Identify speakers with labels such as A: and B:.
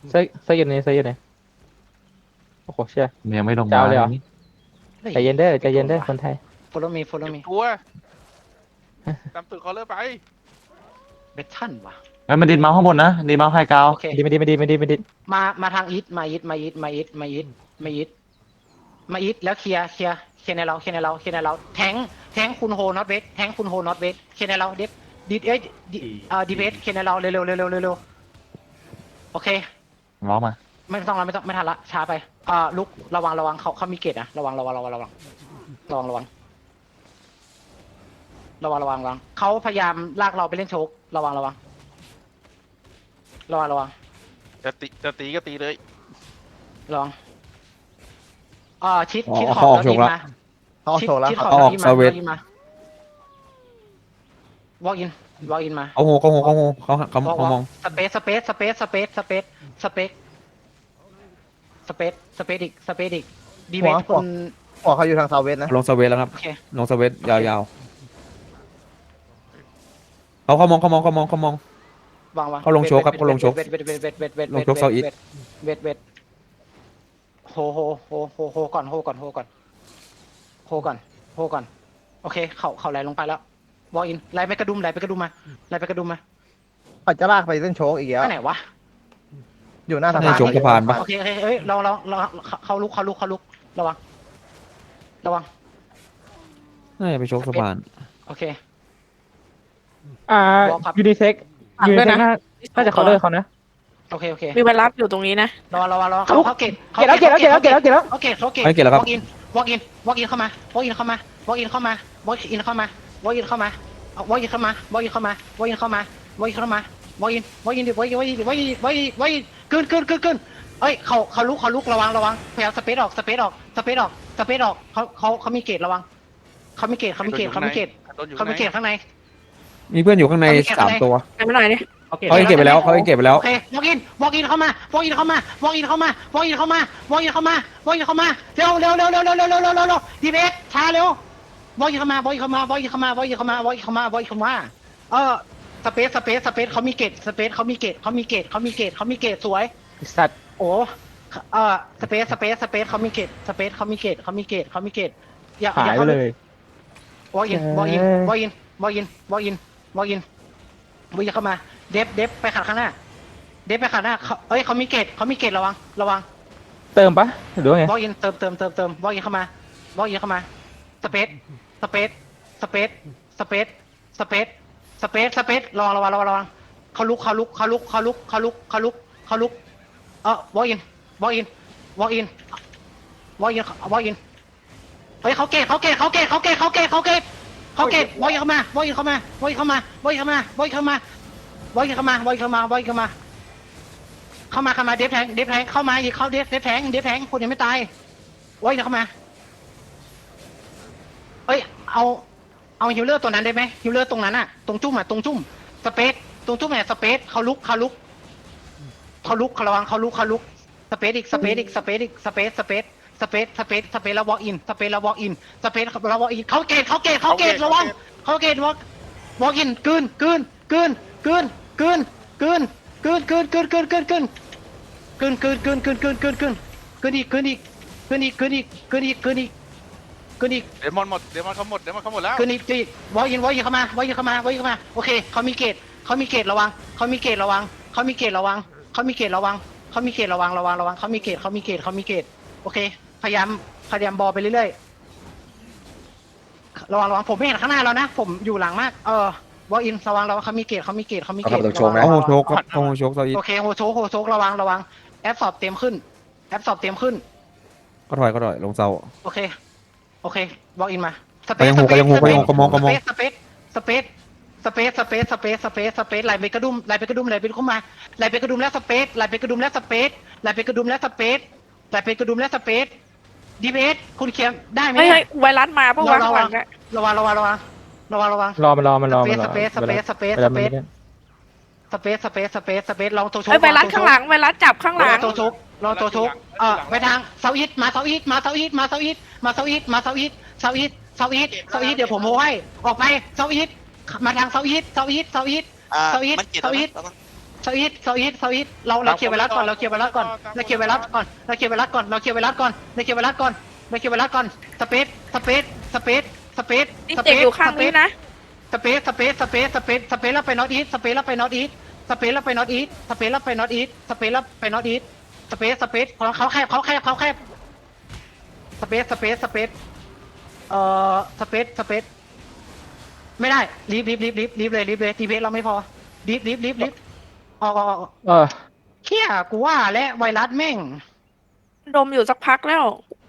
A: เสื้ออยู่ไหนโอ้โหเชี่ย
B: มันยังไม่ลง
A: จะ
B: มา
A: เอาเลยเหรอ
B: นี่
A: ใจเย็นเด้อคนไทย
C: follow me follow
D: เก็บ
C: me
D: ตัวตามตึกเขาเลยไป
C: เบททันวะ
B: เฮ้ยมันดินเมาส์ข้างบนนะดินเมาส์ไฮกราว
C: โอเค
A: ไม่ดี
C: มาทางอีทมาอีทแล้วเคลียร์ในเราแทงคุณโฮน็อตเวทเคลียร์ในเราดีเบสเคลียร์ในเราเร็วโอเค
B: เมาส์มา
C: ไม่ต้องไม่ทันละช้าไปลุกระวังเขามีเกตนะระวังเขาพยายามลากเราไปเล่นโชกระวัง
D: จะตีก็ตีเลย
C: ระวังชิดข
E: เขา
C: อ
E: ออบ กโช
C: แล้ว
E: ว์
C: ยิง
E: ละ
C: มา
E: เขาออกโชว์แล้ว
C: ชิดขอบ
E: เขาออก
C: ยิง
E: เซเวต
C: มาวอล์กอินมา
E: เขามอง
C: สเปซอีกดีเวทคุณ
E: หัวเขาอยู่ทางเซาเวสนะลงเซเวสแล้วครับ
C: โอเค
E: ลงเซเวสยาวๆเขามอง
C: วาง
E: เขาลงโชว์ครับเขาลงโชว์
C: เวท
E: ลงโชว์เซาอีท
C: เวทโฮก่อนโอเคเขาไหลลงไปแล้ววอล์กอินไหลไปกระดุมมา
E: เขาจะลากไปเส้นโชกอีกแล้ว
C: ไปไหนวะ
E: อยู่หน้าสะใน พานโชกสะพานปะ
C: โอเคเฮ้ยเราเขาลุกระวัง
E: น่าจะไปโชกสะพาน
C: โอเค บอกครับ
A: ยูนิเซ็กน่าจะเขาเลิกเขานะ
C: โอเค
F: มีเวลาอยู่ตรงนี้นะ
C: รอเขาเกต
A: เก็บแล้ว
C: โอเค
E: ไม่เกี่ยวแล้วครับ
C: วอล์กอินเข้ามาโอเคขึ้นเอ้ยเขาลุกระวังพยายามสเปซออกเขามีเกตระวังเขามีเกตข้างใน
E: มีเพื่อนอยู่ข้างใน 3 ตัว
F: ไปไม่หน่อยดิ
E: เขาเก็บไปแล้ว
C: โอเควอล์กอินเข้ามาเร็วดีเบสช้าเร็ววอล์กอินเข้ามาสเปซเขามีเกตสวย
A: สัตว์
C: โอ้สเปซเขามีเกตอย่า
A: หายไปเลยว
C: อล์กอินเข้ามาเดฟไปขัดข้างหน้าเอ้ยเขามีเกตระวัง
A: เติมปะหรือว่าไง
C: วอล์กอินเติมวอล์กอินเข้ามาสเปซระวังเขาลุกวอล์กอินเฮ้ยเขาเกตวอล์กอินเข้ามาเดฟแทงเข้ามาอีกเดฟแทงคนยังไม่ตายวอล์กอินเข้ามาเอ้ยเอาฮิลเลอร์ตัวนั้นได้ไหมฮิลเลอร์ตรงนั้นอะตรงจุ่มสเปซเขาลุกระวังเขาลุกสเปซอีกแล้ววอล์กอินเขาเกตระวังเขาเกตวอล์กอินกลืนอีก
D: เดมอนเขาหมดแล้ว
C: คืนนี้จีวอล์กอินเข้ามาโอเคเขามีเกตระวังเขามีเกตระวังโอเคพยายามบอลไปเรื่อยๆระวังผมไม่เห็นข้างหน้าแล้วนะผมอยู่หลังมากวอล์กอินระวังเขามีเกต
E: เขาโชกครับเขาโชกเซาอีท
C: โอเคโฮโชกระวังแอปสอบเต็มขึ้น
E: ก็ถอยลงเซา
C: โอเควอล์กอินมาสเป
E: ก็ยังหูก็มอง
C: สเปซไหลไปกระดุมเข้ามาไหลไปกระดุมแล้วสเปซดีเบสคุณเขียนได้ไหม
F: เฮ้ยไวรัสมาเพราะว่าข้างหลังเนี่ย
C: ระวัง
A: รอมันรอ
C: สเปซลองตัวโช
F: เฮ้ยไวรัสข้างหลังไวรัสจับข้างหลัง
C: ตัวโชกไปทางเซาอีทมาเซาอีทเดี๋ยวผมโมให้ออกไปเซาอีทมาทางเซาอีท
G: มันเกตแล้วนะ
C: เซาอีทเราเคลียร์ไวรัสก่อนเราเคลียร์ไวรัสก่อนเราเคลียร์ไวรัสก่อนเราเคลียร์ไวรัสก่อนเราเคลียร์ไวรัสก่อนเราเคลียร์ไวรัสก่อนเราเคลียร์ไวรัสก่อนสเปซ
F: นี่เจ็บอยู่ข้างนี้นะ
C: สเปซแล้วไปนอตอีทสเปซแล้วไปนอตอีทสเปซแล้วไปนอตอีทสเปซแล้วไปนอตอีทสเปซแล้วไปนอตอีทสเปซเขาแคบสเปซสเปซไม่ได้รีบเลยทีเบสเราไม่พอรีบออก
A: เออ
C: เขี้ยกูว่าและไวรัสแม่ง
F: ดมอยู่สักพักแล้ว